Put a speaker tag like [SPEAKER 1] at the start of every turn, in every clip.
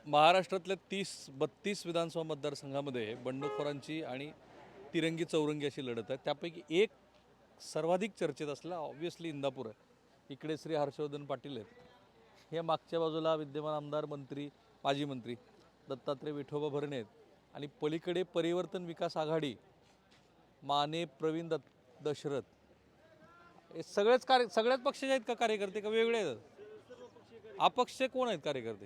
[SPEAKER 1] महाराष्ट्रातल्या 32 विधानसभा मतदारसंघामध्ये बंडखोरांची आणि तिरंगी चौरंगी अशी लढत आहे. त्यापैकी एक सर्वाधिक चर्चेत असलेला ऑब्व्हियसली इंदापूर आहे. इकडे श्री हर्षवर्धन पाटील आहेत, हे मागच्या बाजूला विद्यमान आमदार मंत्री माजी मंत्री दत्तात्रय विठोबा भरणे आहेत आणि पलीकडे परिवर्तन विकास आघाडी माने प्रवीण दशरथ, हे सगळ्याच पक्षाचे आहेत का कार्यकर्ते, का वेगळे आहेत? अपक्ष कोण आहेत कार्यकर्ते?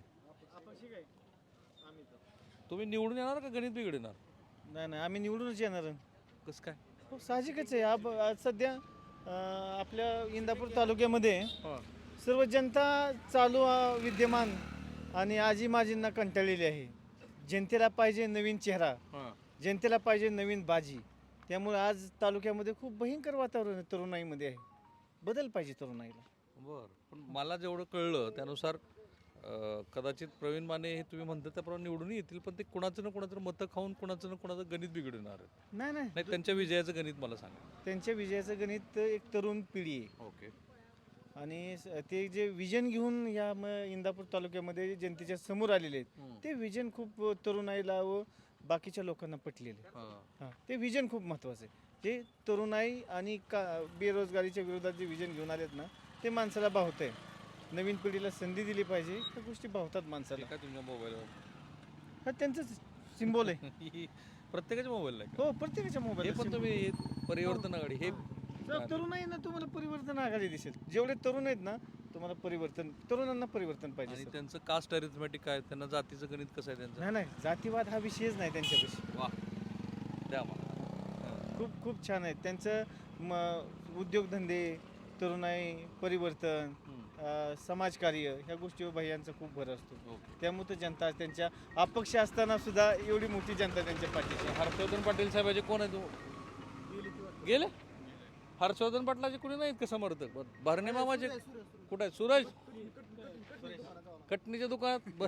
[SPEAKER 1] तुम्ही निवडून येणार का गणित बिघडणार?
[SPEAKER 2] नाही आम्ही निवडूनच येणार.
[SPEAKER 1] कसं काय?
[SPEAKER 2] हो, साहजिकच आहे. आज सध्या आपल्या इंदापूर तालुक्यामध्ये सर्व जनता चालू विद्यमान आणि आजी माजींना कंटाळलेली आहे. जनतेला पाहिजे नवीन चेहरा, जनतेला पाहिजे नवीन बाजी. त्यामुळे आज तालुक्यामध्ये खूप भयंकर वातावरण तरुणाईमध्ये आहे. बदल पाहिजे तरुणाईला.
[SPEAKER 1] बरं, पण मला जेवढं कळलं त्यानुसार कदाचित प्रवीण माने हे तुम्ही म्हणता त्याप्रमाणे निवडून येतील, पण ते कुणाचं ना कुणाचं मतं खाऊन कुणाचं ना कुणाचं गणित बिघडणार आहे.
[SPEAKER 2] नाही,
[SPEAKER 1] त्यांच्या विजयाचं गणित मला सांगा.
[SPEAKER 2] त्यांच्या विजयाचं गणित एक तरुण पिढी आहे.
[SPEAKER 1] ओके.
[SPEAKER 2] आणि ते जे विजन घेऊन या इंदापूर तालुक्यामध्ये जनतेच्या समोर आलेले आहेत, ते विजन खूप तरुणाईला व बाकीच्या लोकांना पटलेले. हां, ते विजन खूप महत्त्वाचं आहे. ते तरुणाई आणि बेरोजगारीच्या विरोधात जे विजन घेऊन आलेत ना, ते माणसाला भावत आहे. नवीन पिढीला संधी दिली पाहिजे, त्या गोष्टी भावतात माणसाला.
[SPEAKER 1] काय तुमच्या मोबाईलवर?
[SPEAKER 2] हा त्यांचंच सिम्बॉल आहे.
[SPEAKER 1] प्रत्येकाच्या मोबाईलला आहे?
[SPEAKER 2] हो, प्रत्येकाच्या मोबाईल.
[SPEAKER 1] हे पण तुम्ही परिवर्तन आघाडी हे
[SPEAKER 2] तरुण आहे ना, तुम्हाला परिवर्तन आघाडी दिसेल. जेवढे तरुण आहेत ना, तुम्हाला तरुणांना परिवर्तन पाहिजे.
[SPEAKER 1] आणि त्यांचं कास्ट अरिथमॅटिक काय, त्यांना जातीचं गणित कसं आहे त्यांचं?
[SPEAKER 2] नाही, जातीवाद हा विषयच नाही त्यांच्यापाशी.
[SPEAKER 1] वा, द्या मला.
[SPEAKER 2] खूप छान आहे त्यांचं. उद्योगधंदे, तरुणाई, परिवर्तन, समाजकार्य ह्या गोष्टीवर भैयांचा खूप भर असतो. त्यामुळे तर जनता त्यांच्या अपक्ष असताना सुद्धा एवढी मोठी जनता त्यांच्या पाठीशी.
[SPEAKER 1] हर्षवर्धन पाटील साहेबाचे कोण आहे? तू गेले? हर्षवर्धन पाटलाचे कुणी नाहीत का समर्थक? भरणे मामाचे कुठे आहेत? सूरज कटणीच्या दुकानात.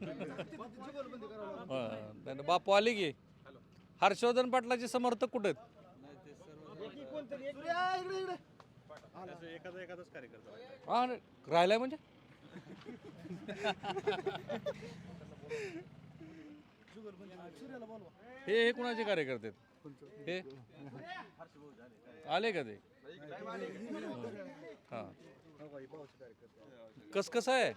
[SPEAKER 1] बापू आले की. हर्षवर्धन पाटलाचे समर्थक कुठे आहेत?
[SPEAKER 3] एखादाच कार्यकर्ता
[SPEAKER 1] हा, राहिलाय म्हणजे हे कुणाचे कार्यकर्ते आहेत? हे आले का ते? हा, कसं आहे?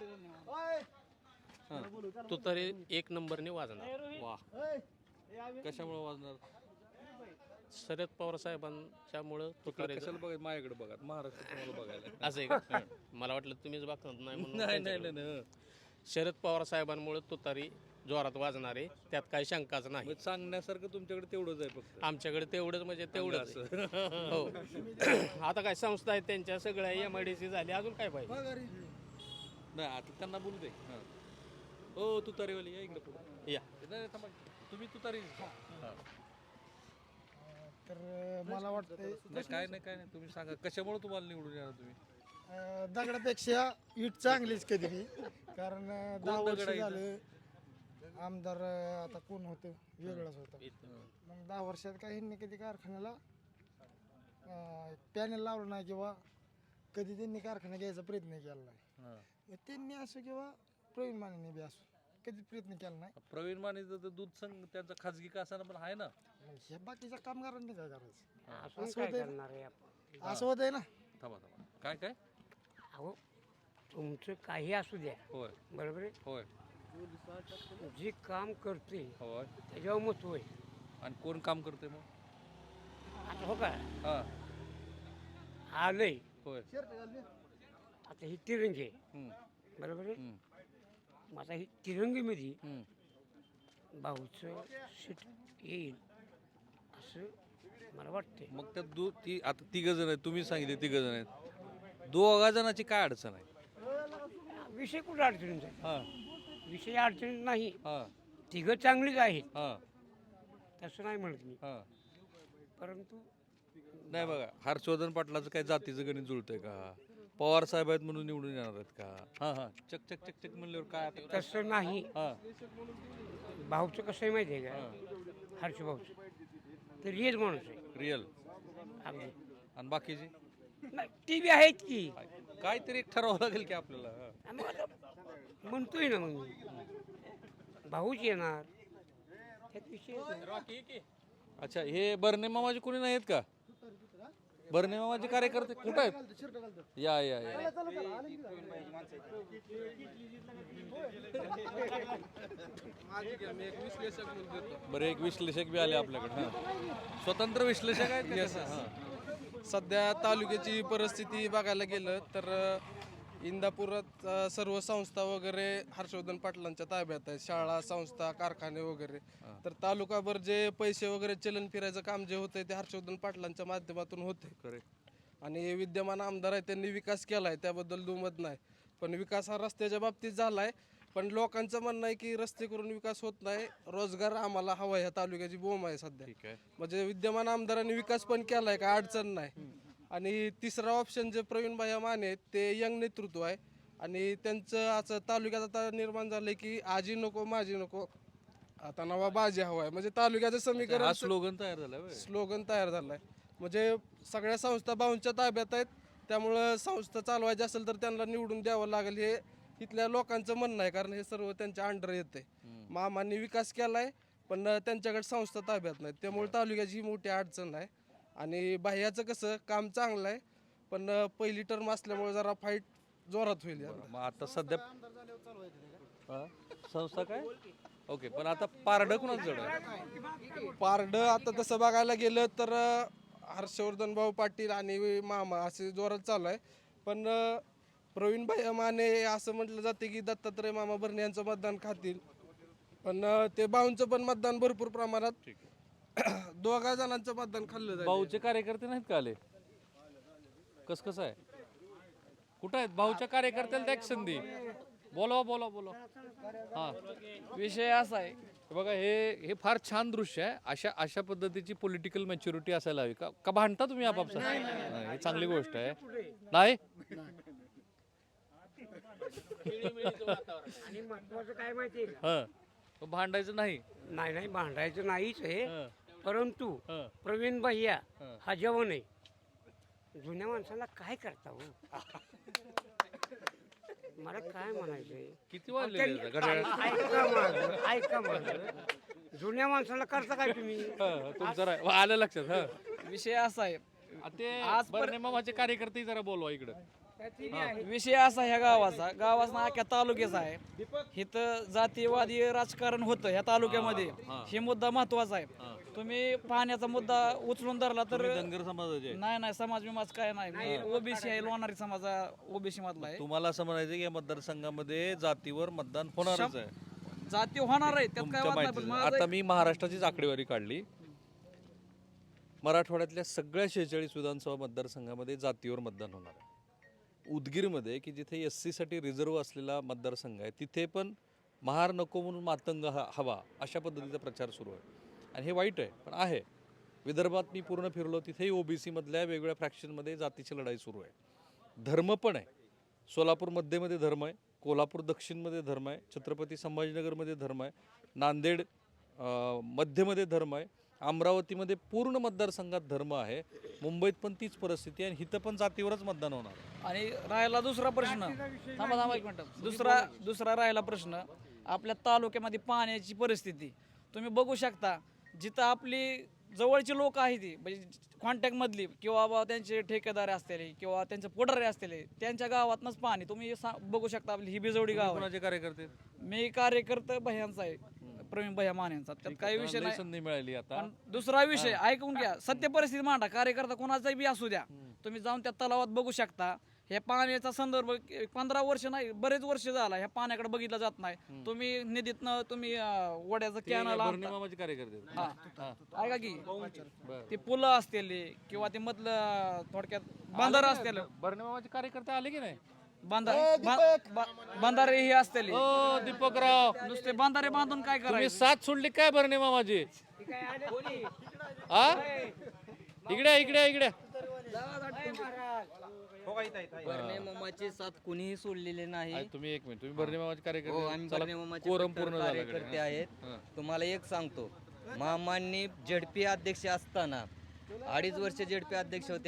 [SPEAKER 4] तो तरी एक नंबरने वाजणार.
[SPEAKER 1] वा, कशामुळे वाजणार?
[SPEAKER 4] शरद पवार साहेबांच्यामुळं तुतारी.
[SPEAKER 1] कशाला बघायचं? माझ्याकडे बघा, महाराष्ट्र तुम्हाला बघायला.
[SPEAKER 4] असं आहे का? मला वाटलं तुम्हीच बघत नाही म्हणून.
[SPEAKER 1] नाही.
[SPEAKER 4] शरद पवार साहेबांमुळे तुतारी जोरात वाजणार आहे, त्यात काही शंकाच नाही.
[SPEAKER 1] सांगण्यासारखं तुमच्याकडे तेवढंच आहे फक्त.
[SPEAKER 4] आमच्याकडे तेवढंच म्हणजे तेवढंच. हो. आता काय संस्था आहेत त्यांच्या सगळ्या MIDC झाली, अजून काय पाहिजे?
[SPEAKER 1] नाही, आता त्यांना बोलू दे. हो, तुतारीवाली या इकडे पुढे
[SPEAKER 4] या.
[SPEAKER 1] नाही, थांबा. तुम्ही तुतारी?
[SPEAKER 5] तर मला वाटतं
[SPEAKER 1] काय नाही तुम्ही सांगा कशामुळे तुम्हाला निवडून येणार तुम्ही?
[SPEAKER 5] दगडापेक्षा इट चांगलीच कधी बी. कारण 10 वर्ष
[SPEAKER 1] दगड आहे इथं?
[SPEAKER 5] झालं आमदार आता कोण होतं वेगळंच होतं. मग 10 वर्षात काही ह्यांनी कधी कारखान्याला पॅनल लावलं नाही किंवा कधी त्यांनी कारखाना घ्यायचा प्रयत्न केला नाही. मग त्यांनी असं किंवा प्रवीण मानेने बी असो कधी प्रयत्न केला नाही.
[SPEAKER 1] प्रवीण मानेचं तर दूध संघ त्यांचा खाजगी कासाना पण आहे ना.
[SPEAKER 5] मग हे बाकीच्या कामगारांनी काय करायचं?
[SPEAKER 6] असं
[SPEAKER 5] होत आहे ना.
[SPEAKER 1] थांबा काय
[SPEAKER 6] अहो तुमचं काही असू द्या,
[SPEAKER 1] होय
[SPEAKER 6] बरोबर आहे.
[SPEAKER 1] होय
[SPEAKER 6] जे काम करते
[SPEAKER 1] होय.
[SPEAKER 6] त्याच्यावर महत्व आहे.
[SPEAKER 1] आणि कोण काम करते मग?
[SPEAKER 6] आता हो का
[SPEAKER 1] हा,
[SPEAKER 6] आलंय
[SPEAKER 1] होय.
[SPEAKER 6] आता ही तिरंगी आहे, बरोबर आहे. मग आता ही तिरंगीमध्ये भाऊचं सीट येईल असं मला वाटतंय.
[SPEAKER 1] मग त्या ती आता 3 जण आहेत, तुम्ही सांगितले 3 जण आहेत. 2 जणांची काय अडचण आहे?
[SPEAKER 6] विषय कुठं अडचणीचा आहे?
[SPEAKER 1] हा
[SPEAKER 6] विषय अडचणीत नाही.
[SPEAKER 1] हा
[SPEAKER 6] तिघं चांगलीच आहेत,
[SPEAKER 1] हा
[SPEAKER 6] तसं नाही म्हणत मी.
[SPEAKER 1] हा.
[SPEAKER 6] परंतु
[SPEAKER 1] नाही बघा, हर्षवर्धन पाटलाचं काय जातीचं गणित जुळतंय का? पवार साहेब आहेत म्हणून निवडून येणार आहेत का? हा चक म्हणल्यावर काय आता?
[SPEAKER 6] तसं नाही.
[SPEAKER 1] हा
[SPEAKER 6] भाऊचं कसं आहे माहिती आहे का? हर्ष भाऊचं तर रिअल माणूस आहे
[SPEAKER 1] रिअल.
[SPEAKER 6] अगदी.
[SPEAKER 1] आणि बाकीची
[SPEAKER 6] नाही, ती बी आहेत की.
[SPEAKER 1] काहीतरी एक ठरावं लागेल की आपल्याला.
[SPEAKER 6] मग आता म्हणतोय ना मग मी. भाऊच येणार त्यात विषय नाही.
[SPEAKER 1] अच्छा, हे बर्ने मामाचे कोणी नाहीत का? बर्ने मामाचे कार्यकर्ते कुठं आहेत? या या या बरं, एक विश्लेषक बी आले आपल्याकडे. हां, स्वतंत्र विश्लेषक आहेत का कसं? हां.
[SPEAKER 3] सध्या तालुक्याची परिस्थिती बघायला गेलं तर इंदापुरात सर्व संस्था वगैरे हर्षवर्धन पाटलांच्या ताब्यात आहेत. शाळा, संस्था, कारखाने वगैरे. तर तालुकाभर जे पैसे वगैरे चलन फिरायचं काम जे होतंय ते हर्षवर्धन पाटलांच्या माध्यमातून होते.
[SPEAKER 1] करेक्ट.
[SPEAKER 3] आणि विद्यमान आमदार आहेत त्यांनी विकास केला आहे, त्याबद्दल दुमत नाही. पण विकास हा रस्त्याच्या बाबतीत झाला आहे. पण लोकांचं म्हणणं आहे की रस्ते करून विकास होत नाही, रोजगार आम्हाला हवा. ह्या तालुक्याची बोंब आहे सध्या.
[SPEAKER 1] ठीक आहे.
[SPEAKER 3] म्हणजे विद्यमान आमदारांनी विकास पण केला आहे, काय अडचण नाही. आणि तिसरा ऑप्शन जे प्रवीण भाई माने आहेत ते यंग नेतृत्व आहे. आणि त्यांचं असं तालुक्यात आता निर्माण झालंय की आजी नको माझी नको, आता नवा बाजी हवा आहे. म्हणजे तालुक्याचं समीकरण
[SPEAKER 1] हा स्लोगन तयार झाला होय.
[SPEAKER 3] स्लोगन तयार झालाय. म्हणजे सगळ्या संस्था भाऊंच्या ताब्यात आहेत, त्यामुळं संस्था चालवायची असेल तर त्यांना निवडून द्यावं लागेल हे इथल्या लोकांचं म्हणणं आहे. कारण हे सर्व त्यांच्या अंडर येते. मामांनी विकास केलाय पण त्यांच्याकडे संस्था ताब्यात नाहीत, त्यामुळे तालुक्याची ही मोठी अडचण आहे. आणि बाह्याचं कसं काम चांगलं आहे पण पहिली टर्म असल्यामुळे जरा फाईट जोरात होईल याला.
[SPEAKER 1] मग आता सध्या हा? संस्था काय? ओके, पण आता पारडं कुणाच जड आहे?
[SPEAKER 3] पारड आता तसं बघायला गेलं तर हर्षवर्धन भाऊ पाटील आणि मामा असे जोरात चालू आहे. पण प्रवीण भाई माने असं म्हटलं जाते की दत्तात्रय मामा भरणे यांचं मतदान खातील. पण ते भाऊंचं पण मतदान भरपूर प्रमाणात दोघा जणांचं मतदान खाल्लं जाईल.
[SPEAKER 1] भाऊचे कार्यकर्ते नाहीत का आले? कसं आहे? कुठं आहेत भाऊच्या कार्यकर्त्याला? द्या संधी, बोलवा बोलवा बोलवा. हा,
[SPEAKER 7] विषय असा आहे,
[SPEAKER 1] बघा हे फार छान दृश्य आहे. अशा पद्धतीची पॉलिटिकल मॅच्युरिटी असायला हवी. का भांडता तुम्ही आपापसात? नाही, ही चांगली गोष्ट आहे. नाही
[SPEAKER 6] आणि महत्वाचं काय माहितीये का?
[SPEAKER 1] हा, भांडायचं नाही.
[SPEAKER 6] नाही नाही भांडायचं नाहीच आहे,
[SPEAKER 1] हं.
[SPEAKER 6] परंतु
[SPEAKER 1] हं.
[SPEAKER 6] प्रवीण भैया
[SPEAKER 1] हं.
[SPEAKER 6] हा जवान आहे. जुन्या माणसाला काय करता हो? मला काय म्हणायचंय,
[SPEAKER 1] किती वाजले घड्याळ?
[SPEAKER 6] ऐका माझं. जुन्या माणसाला करता काय तुम्ही?
[SPEAKER 1] तुमचं आलं लक्षात. हा,
[SPEAKER 7] विषय असा आहे,
[SPEAKER 1] ते
[SPEAKER 7] आज
[SPEAKER 1] बर्ने मामाचे कार्यकर्ते जरा बोलवा इकडं.
[SPEAKER 7] विषय असा ह्या गावाचा ना अख्ख्या तालुक्याचा आहे. इथं जातीयवादी राजकारण होतं ह्या तालुक्यामध्ये, हे मुद्दा महत्वाचा आहे. तुम्ही पाण्याचा मुद्दा उचलून धरला तर
[SPEAKER 1] धनगर समाजाचे आहे.
[SPEAKER 7] नाही समाज विमाज काय नाही, ओबीसी आहे, लोणारी समाज ओबीसी मधला आहे.
[SPEAKER 1] तुम्हाला असं म्हणायचं की या मतदारसंघामध्ये जातीवर मतदान होणारच आहे.
[SPEAKER 7] जाती होणार आहे, त्यात काय
[SPEAKER 1] तुमच्या
[SPEAKER 7] वाद नाही. पण
[SPEAKER 1] माहितीचं.
[SPEAKER 7] माझं
[SPEAKER 1] आता मी महाराष्ट्राचीच आकडेवारी काढली. मराठवाड्यातल्या सगळ्या 46 विधानसभा मतदारसंघामध्ये जातीवर मतदान होणार आहे. उदगीरमध्ये की जिथे SC साठी रिझर्व्ह असलेला मतदारसंघ आहे, तिथे पण महार नको म्हणून मातंग हवा अशा पद्धतीचा प्रचार सुरू आहे. आणि हे वाईट आहे पण आहे. विदर्भात मी पूर्ण फिरलो, तिथेही OBC मधल्या वेगवेगळ्या फ्रॅक्शनमध्ये जातीची लढाई सुरू आहे. धर्म पण आहे. सोलापूर मध्येमध्ये धर्म आहे, कोल्हापूर दक्षिणमध्ये धर्म आहे, छत्रपती संभाजीनगरमध्ये धर्म आहे, नांदेड मध्यमध्ये धर्म आहे, अमरावतीमध्ये पूर्ण मतदारसंघात धर्म आहे. मुंबईत पण तीच परिस्थिती आहे आणि इथं पण जातीवरच मतदान होणार आहे.
[SPEAKER 7] आणि राहिला दुसरा प्रश्न, थांबा एक मिनिट. दुसरा राहिला प्रश्न, आपल्या तालुक्यामध्ये पाण्याची परिस्थिती तुम्ही बघू शकता. जिथं आपली जवळची लोक आहेत ती म्हणजे कॉन्टॅक्ट मधली किंवा बा त्यांचे ठेकेदार असलेले किंवा त्यांचे पुढारी असलेले, त्यांच्या गावातनंच पाणी तुम्ही बघू शकता. आपली ही बिजवडी गाव आहे.
[SPEAKER 1] कोणाचे कार्यकर्ते?
[SPEAKER 7] मी कार्यकर्ता भैयांचा आहे, प्रवीण भैया मानेंचा. त्यात काही विषय नाही.
[SPEAKER 1] संधी मिळाली आता.
[SPEAKER 7] पण दुसरा विषय ऐकून घ्या, सत्य परिस्थिती मांडा. कार्यकर्ता कोणाचाही बी असू द्या, तुम्ही जाऊन त्या तलावात बघू शकता. ह्या पाण्याचा संदर्भ 15 वर्ष नाही, बरेच वर्ष झाला ह्या पाण्याकडे बघितलं जात नाही. तुम्ही निधीतनं तुम्ही वड्याचं कॅनल
[SPEAKER 1] बर्ने मामाचे कार्यकर्ते.
[SPEAKER 7] ऐका की ते पुलं असतील किंवा ते मधलं थोडक्यात बांधार असतील.
[SPEAKER 1] बर्ने मामाचे कार्यकर्ते आले की नाही?
[SPEAKER 7] बांधारे हे असतील.
[SPEAKER 1] ओ दीपकराव,
[SPEAKER 7] नुसते बांधारे बांधून काय
[SPEAKER 1] तुम्ही
[SPEAKER 7] करायचं?
[SPEAKER 1] साथ सोडली काय बर्ने मामाची? हा, इकडे इकडे इकडे.
[SPEAKER 8] बर्ने मामाची साथ कुणीही सोडलेली नाही.
[SPEAKER 1] तुम्ही एक मिनिट, तुम्ही बर्ने मामाचे
[SPEAKER 8] हो,
[SPEAKER 1] कार्यकर्ते.
[SPEAKER 8] आम्ही
[SPEAKER 1] चला,
[SPEAKER 8] बर्ने मामाचे
[SPEAKER 1] कोरम
[SPEAKER 8] कट्टर
[SPEAKER 1] पूर्ण
[SPEAKER 8] कार्यकर्ते आहेत. तुम्हाला एक सांगतो, मामांनी ZP अध्यक्ष असताना 2.5 वर्ष ZP अध्यक्ष होते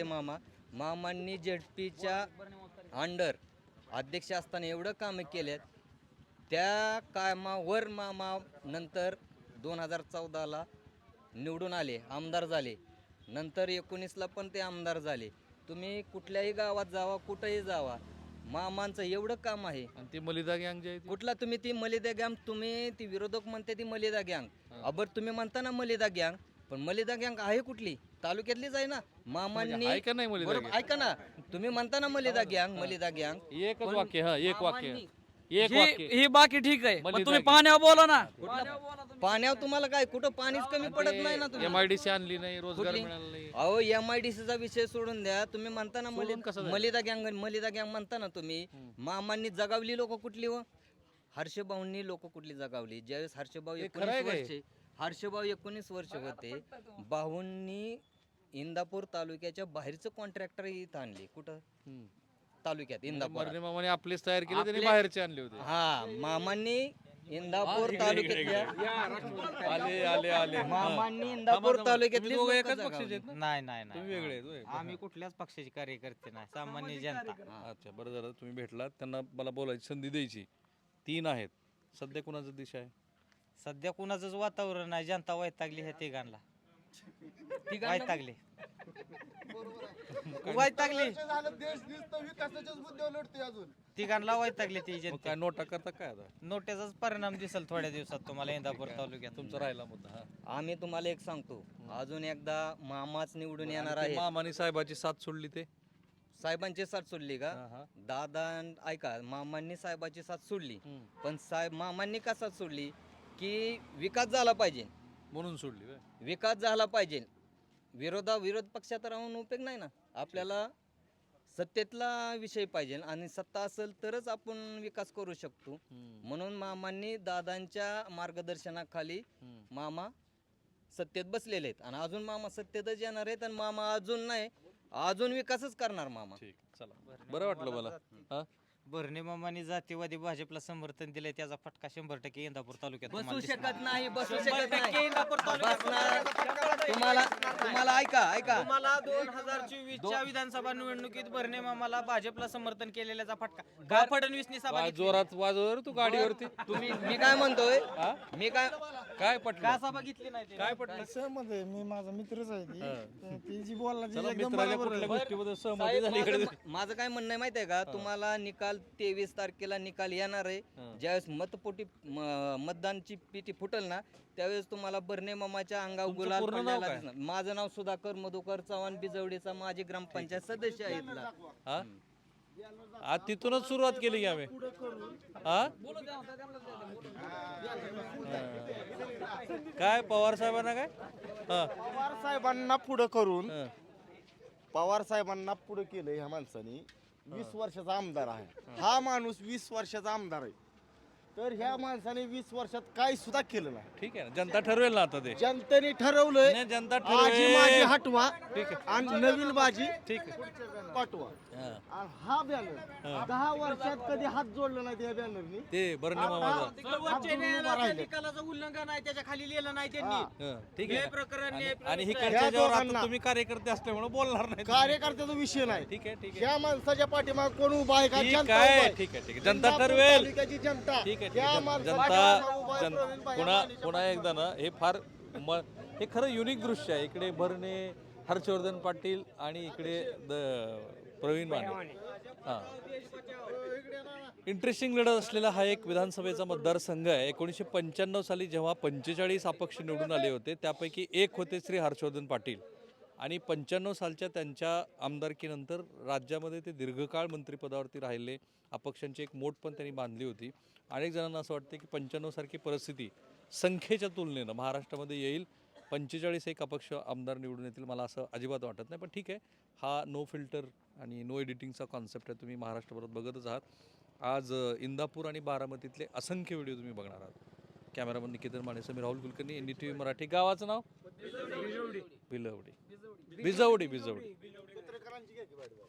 [SPEAKER 8] मामांनी ZPच्या अंडर अध्यक्ष असताना एवढं कामं केलेत त्या कामावर मामा नंतर 2014ला निवडून आले, आमदार झाले. नंतर 19ला पण ते आमदार झाले. तुम्ही कुठल्याही गावात जावा, कुठंही जावा, मामांचं एवढं काम आहे.
[SPEAKER 1] आणि ती मलिदा गँग जी आहे ती?
[SPEAKER 8] कुठला तुम्ही ती मलिदा गँग, तुम्ही ती विरोधक म्हणते ती मलिदा गँग, अबर तुम्ही म्हणता ना मलिदा गँग, पण मलिदा गँग आहे कुठली? तालुक्यातलीच आहे ना. मामांनी
[SPEAKER 1] आहे का नाही मलिदा
[SPEAKER 8] बरोबर,
[SPEAKER 1] गँग?
[SPEAKER 8] ऐका ना, तुम्ही म्हणता ना मलिदा गँग,
[SPEAKER 1] एकच वाक्य, हा एक वाक्य,
[SPEAKER 8] मामांनी-
[SPEAKER 1] एक वाक्य.
[SPEAKER 7] ही बाकी ठीक आहे पण
[SPEAKER 1] मलिदा
[SPEAKER 7] तुम्ही
[SPEAKER 1] गँग.
[SPEAKER 7] पाण्यावर बोला ना.
[SPEAKER 8] पाण्यावर तुम्हाला काय कुठं पाणीच कमी पडत नाही ना तुम्ही.
[SPEAKER 1] MIDC आणली नाही, रोजगार
[SPEAKER 8] कुठली?
[SPEAKER 1] मिळाला नाही.
[SPEAKER 8] अहो MIDCचा विषय सोडून द्या. तुम्ही म्हणता ना
[SPEAKER 1] कसं
[SPEAKER 8] मलिदा गँग म्हणता ना तुम्ही. मामांनी जगावली लोक कुठली व हर्षभाऊंनी लोक कुठली जगावली? ज्यावेळेस हर्षभाऊ
[SPEAKER 1] हे खरं आहे
[SPEAKER 8] 19
[SPEAKER 1] काय?
[SPEAKER 8] वर्षे हर्षभाऊ 19 वर्ष होते, भाऊंनी इंदापूर तालुक्याच्या बाहेरचं कॉन्ट्रॅक्टर इथं आणले. कुठं?
[SPEAKER 1] हम्म.
[SPEAKER 8] तालुक्यात इंदापूर.
[SPEAKER 1] मर्ने मामाने आपलेच तयार केले, त्यांनी
[SPEAKER 8] आपले-
[SPEAKER 1] बाहेरचे आणले होते.
[SPEAKER 8] हा, मामांनी इंदापूर तालुक्यातल्या
[SPEAKER 1] आले आले आले.
[SPEAKER 8] मामांनी इंदापूर तालुक्यातली
[SPEAKER 1] तुम्ही दोघं एकाच पक्षाचे आहेत ना?
[SPEAKER 9] नाही नाही नाही
[SPEAKER 1] तुम्ही वेगळे आहेत होय?
[SPEAKER 9] आम्ही कुठल्याच पक्षाचे कार्यकर्ते नाही, सामान्य जनता.
[SPEAKER 1] अच्छा, बरं झालं तुम्ही भेटलात. त्यांना मला बोलायची संधी द्यायची. 3 आहेत. सध्या कुणाचा दिशा आहे?
[SPEAKER 9] सध्या कुणाचंच वातावरण नाही, जनता वैतागली ह्या तिघांना. वैतागली वैतागली तिघांना वैतागली ती
[SPEAKER 1] मग
[SPEAKER 9] जनता.
[SPEAKER 1] काय नोटा करता काय आता?
[SPEAKER 9] नोट्याचाच परिणाम दिसल थोड्या दिवसात तुम्हाला इंदापूर तालुक्यात.
[SPEAKER 1] तुमचा राहिला मुद्दा. हा.
[SPEAKER 8] आम्ही तुम्हाला एक सांगतो, अजून एकदा मामाच निवडून येणार
[SPEAKER 1] आणि ते
[SPEAKER 8] आहे.
[SPEAKER 1] मामानी साहेबाची साथ सोडली ते.
[SPEAKER 8] साहेबांची साथ सोडली का?
[SPEAKER 1] हा, हा.
[SPEAKER 8] दादा ऐका, मामांनी साहेबाची साथ सोडली,
[SPEAKER 1] हम्म.
[SPEAKER 8] पण साहेब मामांनी का साथ सोडली की विकास झाला पाहिजे,
[SPEAKER 1] म्हणून सोडली होय?
[SPEAKER 8] विकास झाला पाहिजे. विरोध पक्षात राहून उपयोग नाही ना. आपल्याला सत्तेतला विषय पाहिजे आणि सत्ता असेल तरच आपण विकास करू शकतो.
[SPEAKER 1] हम्म.
[SPEAKER 8] म्हणून मामांनी दादांच्या मार्गदर्शनाखाली
[SPEAKER 1] हम्म.
[SPEAKER 8] मामा सत्तेत बसलेले आहेत आणि अजून मामा सत्तेतच येणार आहेत आणि मामा अजून नाही, अजून विकासच करणार मामा.
[SPEAKER 1] ठीक, चला. बरं वाटलं मला. हा?
[SPEAKER 9] भरणे मामांनी जातीवादी भाजपला समर्थन दिले, त्याचा फटका 100% इंदापूर तालुक्यात
[SPEAKER 8] बसू
[SPEAKER 9] तुम्हाला दिसणार.
[SPEAKER 8] शकत नाही, बसू शकत नाही. बसणार. तुम्हाला ऐका
[SPEAKER 9] तुम्हाला 2024च्या विधानसभा निवडणुकीत भरणे मामाला भाजपला समर्थन केलेल्याचा फटका का फडणवीसनी सभा घेतली?
[SPEAKER 1] जोरात वाजवर तू गाडीवरती.
[SPEAKER 8] मी काय म्हणतोय,
[SPEAKER 1] हा?
[SPEAKER 8] मी काय
[SPEAKER 1] काय पटलं?
[SPEAKER 9] का सभा घेतली नाही ते?
[SPEAKER 1] काय पटलं?
[SPEAKER 5] सहमत आहे, मी माझा मित्रच आहे ती. तर ती जी बोलला ती
[SPEAKER 1] चला,
[SPEAKER 5] एकदम
[SPEAKER 1] मित्राच्या
[SPEAKER 5] बरोबर
[SPEAKER 1] कुठल्या
[SPEAKER 5] आहे.
[SPEAKER 1] गोष्टीबद्दल सहमती झाली इकडे?
[SPEAKER 8] माझं काय म्हणणं आहे माहिती आहे का? तुम्हाला निकाल 23 तारखेला निकाल येणार आहे. ज्यावेळेस मतदानची पेटी फुटल ना, त्यावेळेस तुम्हाला बर्णे मामाच्या अंगावर
[SPEAKER 1] तुमचं
[SPEAKER 8] गुलाल
[SPEAKER 1] पूर्ण नाव
[SPEAKER 8] पडलेला
[SPEAKER 1] काय?
[SPEAKER 8] दिसणार. माझं नाव सुधाकर मधुकर चव्हाण, बिजवडीचा माजी ग्रामपंचायत सदस्य आहे इथला.
[SPEAKER 1] हा? आज तिथूनच सुरुवात केली की आम्ही. हा? काय पवार साहेबांना काय? हा.
[SPEAKER 2] पवार साहेबांना पुढं करून
[SPEAKER 1] हा.
[SPEAKER 2] पवार साहेबांना पुढे केलं ह्या माणसाने. 20 वर्षाचा आमदार आहे हा माणूस, 20 वर्षाचा आमदार आहे. तर ह्या माणसाने 20 वर्षात काही सुद्धा केलं नाही.
[SPEAKER 1] ठीक आहे ना, जनता ठरवेल ना आता ते.
[SPEAKER 2] जनतेने ठरवलंय
[SPEAKER 1] नाही, जनता
[SPEAKER 2] आजी माझी
[SPEAKER 1] ठरवेल.
[SPEAKER 2] हटवा
[SPEAKER 1] ठीक आहे.
[SPEAKER 2] आणि नवीन बाजी
[SPEAKER 1] ठीक आहे.
[SPEAKER 2] पाठवा.
[SPEAKER 1] हा.
[SPEAKER 2] आणि हा बॅनर 10 वर्षात कधी हात जोडला नाही त्या बॅनरनी.
[SPEAKER 1] ते बर्णे मामाचा.
[SPEAKER 9] सर्वोच्च न्यायालयाच्या निकालाचं उल्लंघन आहे, त्याच्या खाली लिहिलं नाही त्यांनी.
[SPEAKER 1] हा, ठीक
[SPEAKER 9] हे
[SPEAKER 1] आहे.
[SPEAKER 9] प्रकरण
[SPEAKER 1] आणि
[SPEAKER 9] न्याय
[SPEAKER 1] ही
[SPEAKER 2] ह्या
[SPEAKER 1] ज्यावर आता
[SPEAKER 2] दोघांना-
[SPEAKER 1] तुम्ही कार्यकर्ते असल्यामुळे बोलणार नाही.
[SPEAKER 2] कार्यकर्त्याचा विषय नाही.
[SPEAKER 1] ठीक आहे, ठीक आहे.
[SPEAKER 2] ह्या माणसाच्या पाठीमाग कोण उभा आहे का?
[SPEAKER 1] ठीक
[SPEAKER 2] जनता
[SPEAKER 1] आहे,
[SPEAKER 2] उभा आहे.
[SPEAKER 1] ठीक आहे, ठीक आहे. जनता
[SPEAKER 2] इंदापूर
[SPEAKER 1] ठरवेल.
[SPEAKER 2] तालुक्याची जनता.
[SPEAKER 1] ठीक आहे, ठीक
[SPEAKER 2] ह्या
[SPEAKER 1] आहे.
[SPEAKER 2] माणसाच्या
[SPEAKER 1] जनता
[SPEAKER 2] पाठीमागं उभा आहे प्रवीण भाई
[SPEAKER 1] पुन्हा
[SPEAKER 2] अंबानीच्या
[SPEAKER 1] पुन्हा एकदा ना, हे फार हे खरं युनिक दृश्य आहे. इकडे भरणे, हर्षवर्धन पाटील आणि इकडे प्रवीण माने. हां, इंटरेस्टिंग लढत असलेला हा एक विधानसभेचा मतदारसंघ आहे. 1995 साली जेव्हा 45 अपक्ष निवडून आले होते, त्यापैकी एक होते श्री हर्षवर्धन पाटील. आणि 95 सालच्या त्यांच्या आमदारकीनंतर राज्यामध्ये ते दीर्घकाळ मंत्रिपदावरती राहिले. अपक्षांची एक मोठ पण त्यांनी बांधली होती. अनेक जणांना असं वाटतं की 95 सारखी परिस्थिती संख्येच्या तुलनेनं महाराष्ट्रामध्ये येईल. 45 एक अपक्ष आमदार निवडून येतील, मला असं अजिबात वाटत नाही. पण ठीक आहे, हा नो फिल्टर आणि नो एडिटिंगचा कॉन्सेप्ट आहे. तुम्ही महाराष्ट्रभरात बघतच आहात. आज इंदापूर आणि बारामतीतले असंख्य व्हिडिओ तुम्ही बघणार आहात. Cameraman Niketan Mane, Sameer Rahul Kulkarni, NDTV Marathi. गावाचं नाव? भिलवडी. भिजवडी.